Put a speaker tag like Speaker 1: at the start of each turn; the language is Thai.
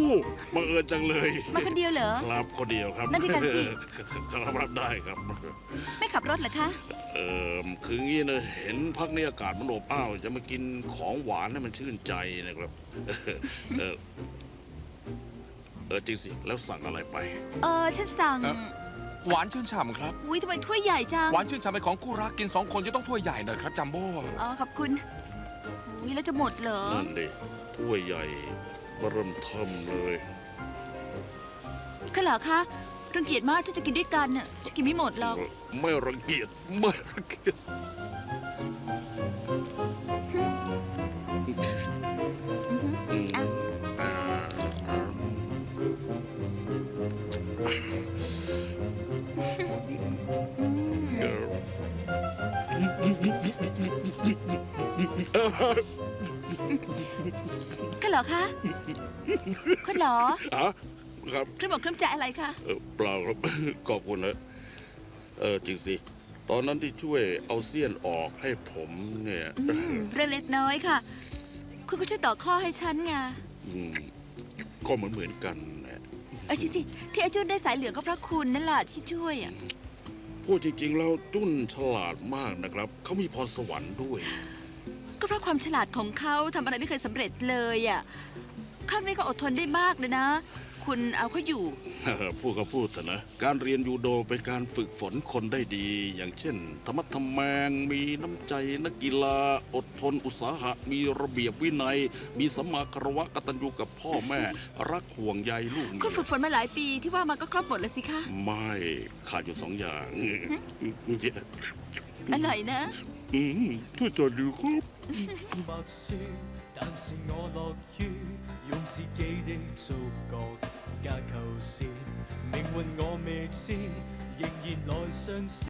Speaker 1: บังเอิญจังเลย
Speaker 2: มาคนเดียวเหรอ
Speaker 1: ครับคนเดียวครับ
Speaker 2: นั่นที่กันสิ
Speaker 1: รับได้ครับ
Speaker 2: ไม่ขับรถเหรอคะ
Speaker 1: คืองี้นะเห็นพักนี้อากาศมันอบอ้าวจะมากินของหวานให้มันชื่นใจนะครับ จริงสิแล้วสั่งอะไรไป
Speaker 2: ฉันสั่ง
Speaker 3: หวานชื่นฉ่ำครับ
Speaker 2: อุ้ยทำไมถ้วยใหญ่จัง
Speaker 3: หวานชื่นฉ่ำเป็นของคู่รักกิน2 คนจะต้องถ้วยใหญ่หน่อยครับจัมโบ้
Speaker 2: ขอบคุณอุ้ยแล้วจะหมดเหรอ
Speaker 1: นั่นดิถ้วยใหญ่เริ่มเทิมเลย
Speaker 2: ก็เหรอคะรังเกียจมากที่จะกินด้วยกันน่ะฉันกินไม่หมดหรอก
Speaker 1: ไม่รังเกียจไม่รังเกียจ
Speaker 2: อ่ะ ก็เหรอคะคุณเหรอ
Speaker 1: ครับ
Speaker 2: เครื่องบอกเครื่องใจอะไรคะ
Speaker 1: เปล่าครับ ขอบคุณนะจริงสิตอนนั้นที่ช่วยเอาเสี้ยนออกให้ผมเนี่ย
Speaker 2: เรื่องเล็กน้อยค่ะ คุณก็ช่วยต่อข้อให้ฉันไง
Speaker 1: ก็เหมือนกันนะ
Speaker 2: สิที่ไอ้จุนได้สายเหลืองก็เพราะคุณนั่นแหละที่ช่วยอ่ะ
Speaker 1: พูดจริงๆแล้วจุ้นฉลาดมากนะครับเขามีพรสวรรค์ด้วย
Speaker 2: ก็เพราะความฉลาดของเขาทำอะไรไม่เคยสำเร็จเลยอ่ะครั้งนี้เขาอดทนได้มากเลยนะ คุณเอาเขาอยู่
Speaker 1: พูดก็พูดเถอะนะการเรียนยูโดเป็นการฝึกฝนคนได้ดี อย่างเช่นธรรมะทแมงมีน้ำใจนักกีฬาอดทนอุตสาหะมีระเบียบวินัย มีสัมมาคารวะกตัญญูกับพ่อแม่ รักห่วงใยลูกเมี
Speaker 2: คุณฝึกฝนมาหลายปีที่ว่ามาก็ครบหมดแล้วสิคะ
Speaker 1: ไม่ขาดอยู่2 อย่าง
Speaker 2: อะไรนะ
Speaker 1: ช่วยจอดดูครับ
Speaker 4: 默說，但是我樂於用自己的觸覺架構線，命運我未知，仍然來嘗試。